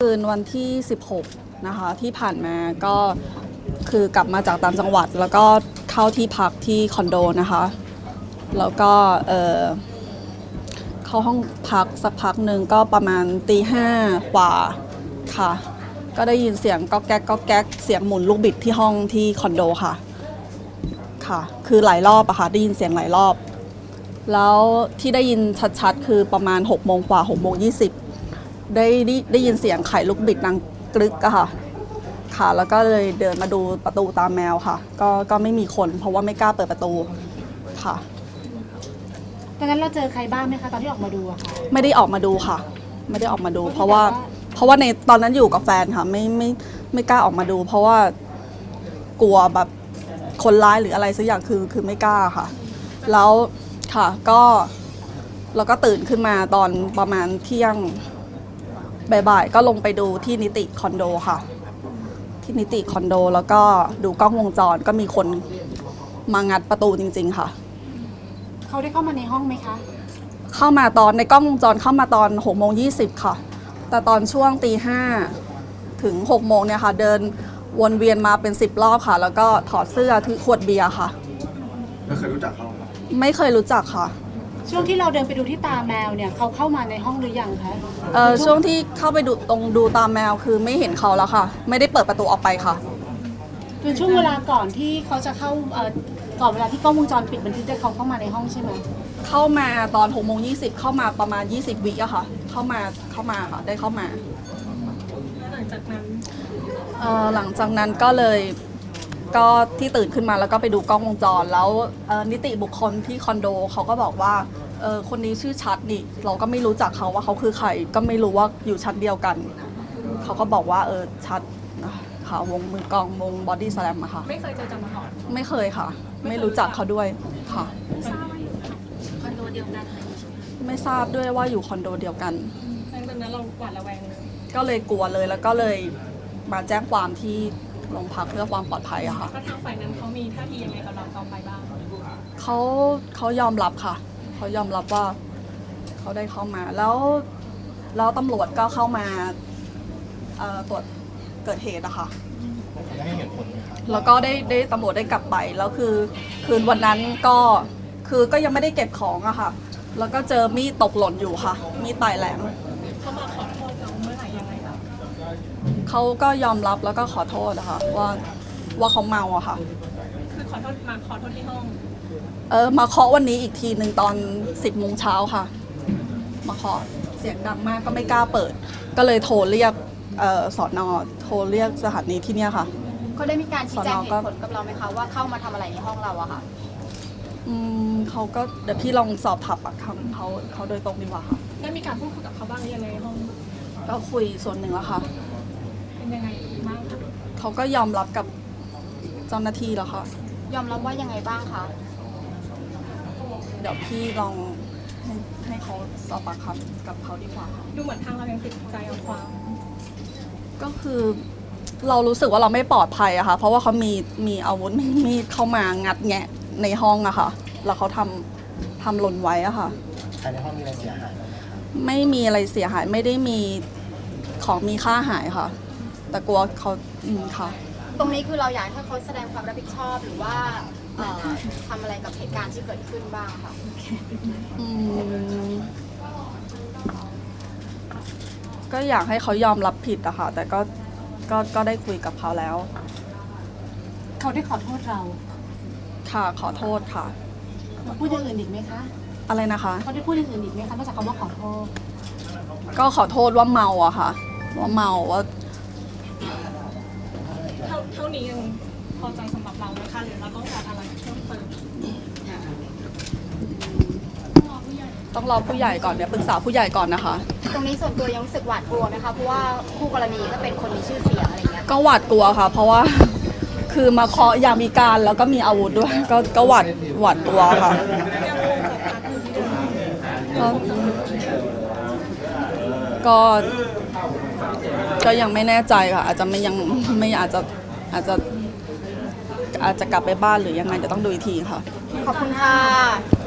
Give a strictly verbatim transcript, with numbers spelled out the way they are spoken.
นวันที่สิบหกนะคะที่ผ่านมาก็คือกลับมาจากต่างจังหวัดแล้วก็เข้าที่พักที่คอนโดนะคะแล้วก็เอ่อเข้าห้องพักสักพักหนึ่งก็ประมาณตีห้ากว่าค่ะก็ได้ยินเสียงก๊อกแก๊กก๊อกแก๊กเสียงหมุนลูกบิดที่ห้องที่คอนโดค่ะค่ะคือหลายรอบอะค่ะได้ยินเสียงหลายรอบแล้วที่ได้ยินชัดๆคือประมาณหกโมงกว่าหกโมงยี่สิบได้ได้ได้ยินเสียงไขลูกบิดดังกรึกอะค่ะค่ะแล้วก็เลยเดินมาดูประตูตามแมวค่ะก็ก็ไม่มีคนเพราะว่าไม่กล้าเปิดประตูค่ะตอนนั้นเราเจอใครบ้างไหมคะตอนที่ออกมาดูอะค่ะไม่ได้ออกมาดูค่ะไม่ได้ออกมาดูเพราะว่าเพราะว่าในตอนนั้นอยู่กับแฟนค่ะไม่ไม่ไม่กล้าออกมาดูเพราะว่ากลัวแบบคนร้ายหรืออะไรสักอย่างคือคือไม่กล้าค่ะแล้วค่ะก็เราก็ตื่นขึ้นมาตอนประมาณเที่ยงบ่ายๆก็ลงไปดูที่นิติคอนโดค่ะที่นิติคอนโดแล้วก็ดูกล้องวงจรก็มีคนมางัดประตูจริงๆค่ะเขาได้เข้ามาในห้องไหมคะเข้ามาตอนในกล้องวงจรเข้ามาตอนหกโมงยี่สิบค่ะแต่ตอนช่วงตีห้าถึงหกโมงเนี่ยค่ะเดินวนเวียนมาเป็นสิบรอบค่ะแล้วก็ถอดเสื้อถือขวดเบียร์ค่ะไม่เคยรู้จักเขาไม่เคยรู้จักค่ะช่วงที่เราเดินไปดูที่ตาแมวเนี่ยเขาเข้ามาในห้องหรือยังคะเอ่อช่วงที่เข้าไปดูตรงดูตาแมวคือไม่เห็นเขาแล้วค่ะไม่ได้เปิดประตูออกไปค่ะเป็นช่วงเวลาก่อนที่เขาจะเข้าเอ่อก่อนเวลาที่กล้องวงจรปิดบันทึกได้เขาเข้ามาในห้องใช่ไหมเข้ามาตอนหกโมงยี่สิบเข้ามาประมาณยี่สิบวิอะค่ะเข้ามาเข้ามาค่ะได้เข้ามาหลังจากนั้นเอ่อหลังจากนั้นก็เลยก็ที่ตื่นขึ้นมาแล้วก็ไปดูกล้องวงจรแล้วนิติบุคคลที่คอนโดเขาก็บอกว่าเออคนนี้ชื่อชัดนี่เราก็ไม่รู้จักเขาว่าเขาคือใครก็ไม่รู้ว่าอยู่ชั้นเดียวกันเขาก็บอกว่าเออชัดค่ะวงมือกองวงบอดี้สแลมอะค่ะไม่เคยเจอกันมาก่อนไม่เคยค่ะไม่รู้จักเขาด้วยค่ะคอนโดเดียวกันไม่ทราบด้วยว่าอยู่คอนโดเดียวกันหลังจากนั้นเราหวาดระแวงเลยก็เลยกลัวเลยแล้วก็เลยมาแจ้งความที่โรงพักเพื่อความปลอดภัยอะค่ะแล้วทางฝ่ายนั้นเขามีท่าทียังไงกับเราต่อไปบ้างเขาเขายอมรับค่ะเขายอมรับว่าเขาได้เข้ามาแล้วแล้วตำรวจก็เข้ามาตรวจเกิดเหตุอะค่ะแล้วก็ได้ได้ตำรวจได้กลับไปแล้วคือคืนวันนั้นก็คือก็ยังไม่ได้เก็บของอะค่ะแล้วก็เจอมีดตกหล่นอยู่ค่ะมีดปลายแหลมเขามาขอโทษเราเมื่อไหร่ยังไงคะเขาก็ยอมรับแล้วก็ขอโทษนะคะว่าว่าเขาเมาอะค่ะคือขอโทษมาขอโทษที่ห้องเออมาเคาะวันนี้อีกทีหนึ่งตอนสิบโมงเช้าค่ะมาเคาะเสียงดังมากก็ไม่กล้าเปิดก็เลยโทรเรียกสอนอโทรเรียกสถานีที่เนี่ยค่ะเขาได้มีการชี้แจงเหตุผลกับเราไหมคะว่าเข้ามาทำอะไรในห้องเราอะค่ะอืมเขาก็เดี๋ยวพี่ลองสอบถามปากคำเขาเขาโดยตรงดีกว่าค่ะได้มีการพูดคุยกับเขาบ้างหรือยังในห้องก็คุยส่วนหนึ่งแล้วค่ะเป็นยังไงบ้างคะเขาก็ยอมรับกับเจ้าหน้าที่แล้วค่ะยอมรับว่ายังไงบ้างคะเดี๋ยวพี่ลองให้ให้เขาสอบปากคำกับเขาดีกว่าค่ะดูเหมือนทางเรายังติดใจเอาความก็คือเรารู้สึกว่าเราไม่ปลอดภัยอะค่ะเพราะว่าเขามีมีอาวุธมีดเข้ามางัดแงะในห้องอะค่ะแล้วเขาทำทำหล่นไว้อะค่ะภายในห้องมีอะไรเสียหายไหมคะไม่มีอะไรเสียหายไม่ได้มีของมีค่าหายค่ะแต่กลัวเขาอืมค่ะตรงนี้คือเราอยากให้เขาแสดงความรับผิดชอบหรือว่าทำอะไรกับเหตุการณ์ที่เกิดขึ้นบ้างค่ะอืมก็อยากให้เขายอมรับผิดอะค่ะแต่ก็ก็ก็ได้คุยกับเขาแล้วเขาได้ขอโทษเราค่ะขอโทษค่ะพูดอย่างอื่นอีกไหมคะอะไรนะคะเขาได้พูดอย่างอื่นอีกไหมคะนอกจากคำว่าขอโทษก็ขอโทษว่าเมาอะค่ะว่าเมาว่าเท่าเท่านี้ยังพอใจสำหรับเราไหมคะหรือเราต้องการอะไรเพิ่มเติมต้องรอผู้ใหญ่ก่อนเนี่ยปรึกษาผู้ใหญ่ก่อนนะคะตรงนี้ส่วนตัวยังรู้สึกหวาดกลัวไหมคะเพราะว่าคู่กรณีก็เป็นคนมีชื่อเสียงอะไรเงี้ยก็หวาดกลัวค่ะเพราะว่าคือมาเคาะยามีการแล้วก็มีอาวุธด้วยก็ก็หวาดหวาดกลัวค่ะก็ก็ยังไม่แน่ใจค่ะอาจจะไม่ยังไม่อาจจะอาจจะอาจจะกลับไปบ้านหรือยังไงจะต้องดูอีกทีค่ะขอบคุณค่ะ